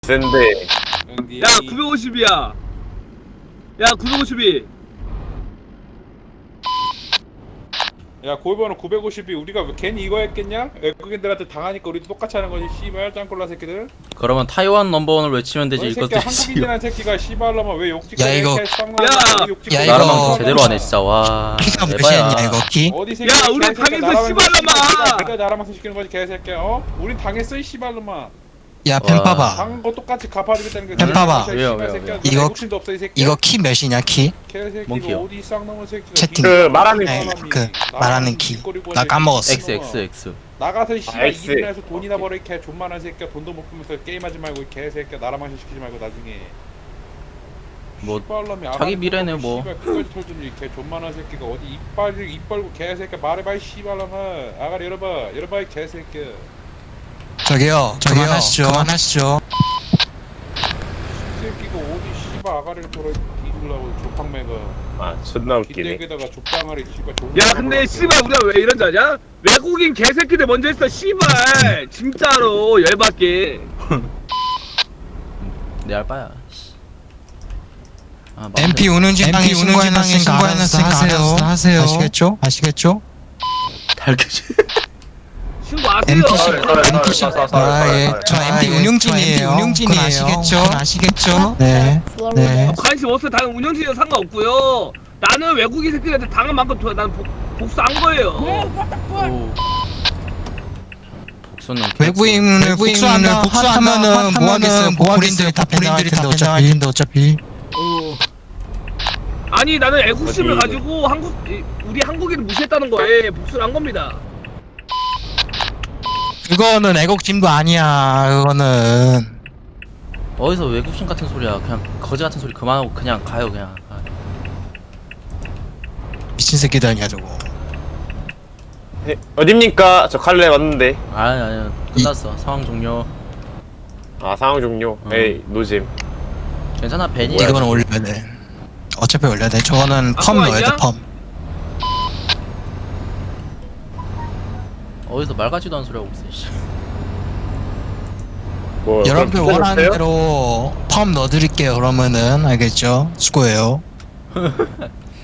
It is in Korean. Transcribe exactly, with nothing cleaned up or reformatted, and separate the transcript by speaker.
Speaker 1: 센데.
Speaker 2: 야 구백오십이야. 야 구백오십이.
Speaker 3: 야 골번호 구백오십이 우리가 왜 괜히 이거 했겠냐? 외국인들한테 당하니까 우리도 똑같이 하는 거지 씨발 짱꼴라 새끼들.
Speaker 4: 그러면 타이완 넘버원을 외치면 되지.
Speaker 3: 너이
Speaker 4: 이것들
Speaker 3: 새끼야 한국인이라는 새끼가 씨발로만 왜 욕짓
Speaker 5: 야, 이거- 야, 이거-
Speaker 4: 나라만 제대로 하네 진짜. 와
Speaker 5: 키가
Speaker 4: 에바야.
Speaker 5: 몇이었냐 이거 키?
Speaker 3: 어디 새끼
Speaker 2: 야, 우리 당했어, 씨발놈아!
Speaker 3: 내가 나라면서 시키는 거지 개새끼야. 어? 우린 당했어 이 씨발놈아.
Speaker 5: 야 펜파봐
Speaker 3: 당한 거 똑같이 갚아주겠다는 게.
Speaker 5: 펜 봐봐.
Speaker 4: 왜요, 왜요, 왜요?
Speaker 5: 이거-
Speaker 3: 욕심도 없어 이 새끼.
Speaker 5: 이거 키 몇이냐 키?
Speaker 3: 개새끼
Speaker 4: 뭔 키요?
Speaker 3: 어디 쌍놈의 새끼가.
Speaker 5: 채팅.
Speaker 1: 그 말하는
Speaker 5: 아니,
Speaker 3: 사람이
Speaker 5: 그
Speaker 3: 나가서
Speaker 5: 말하는 키.
Speaker 3: 뒷거리고
Speaker 5: 나
Speaker 3: 하지.
Speaker 5: 까먹었어.
Speaker 4: X X X.
Speaker 3: 나가서 이 씨발
Speaker 1: X.
Speaker 3: 일이나 해서 돈이나 벌어 이개 존만한 새끼야. 돈도 못 벌면서 게임하지 말고 이 개새끼야. 나라만 시키지 말고 나중에.
Speaker 4: 뭐,
Speaker 3: 씨발놈이
Speaker 4: 자기
Speaker 3: 알아서
Speaker 4: 미래네, 뭐.
Speaker 3: 씨발 끝까지 털더니 이개 존만한 새끼가 어디 이빨 입 벌고 개새끼야. 말해봐 이 씨발놈아. 아가리 열어봐 열어봐 이 개새끼야.
Speaker 5: 저기요 그만하시죠 그만하시죠
Speaker 3: 이 새끼가 어디 씨발 아가리를 돌아 뒤질라고 조팡매가.
Speaker 1: 아 존나 웃기네.
Speaker 3: 기대기다가 족방아리 씨발 존나.
Speaker 2: 야 근데 씨발 우리가 왜 이런 줄 아냐? 외국인 개새끼들 먼저 했어 씨발. 진짜로 열받게.
Speaker 4: 내 알바야. 아, 마음대로.
Speaker 5: 엠피 운운지방에 신고해놨으니까 알아서 하세요 하세요 아시겠죠? 아시겠죠?
Speaker 4: 달겨지.
Speaker 2: 신고하세요.
Speaker 5: 엠피씨
Speaker 1: 엠피씨.
Speaker 5: 아예 저 엠피 운영진이에요 그건 아시겠죠? 아시겠죠? 네 네.
Speaker 2: 관심 없어. 다른 운영진이랑 상관없고요. 나는 외국인 새끼들한테 당한 만큼 더 난 복수한 거예요.
Speaker 4: 오. 복수는
Speaker 5: 외국인을 복수한다 하면은 뭐 하겠어요? 보린들이 다 벤당할 텐데 어차피 어차피
Speaker 2: 어. 아니 나는 애국심을
Speaker 1: 어디-
Speaker 2: 가지고 한국 이- 우리 한국인을 무시했다는 거에 복수를 한 겁니다.
Speaker 5: 그거는 애국심도 아니야 그거는
Speaker 4: 어디서 외국인 같은 소리야. 그냥 거지 같은 소리 그만하고 그냥 가요 그냥. 아,
Speaker 5: 미친 새끼들 아니야 저거
Speaker 1: 에, 어딥니까? 저 칼레 왔는데.
Speaker 4: 아니 아니 끝났어. 상황 종료.
Speaker 1: 아 상황 종료.
Speaker 4: 어.
Speaker 1: 에이 노잼.
Speaker 4: 괜찮아 벤이.
Speaker 5: 이거는 올려야 돼 어차피 올려야 돼 저거는
Speaker 2: 아,
Speaker 5: 펌
Speaker 2: 그거
Speaker 5: 넣어야 돼
Speaker 2: 아니야?
Speaker 5: 펌
Speaker 4: 어디서 말 같지도 않은 소리 하고 있어. 씨.
Speaker 1: 뭐
Speaker 5: 여러분들
Speaker 1: 그럼
Speaker 5: 원하는
Speaker 1: 뜯어줬어요?
Speaker 5: 대로 펌 넣어드릴게요 그러면은 알겠죠? 수고해요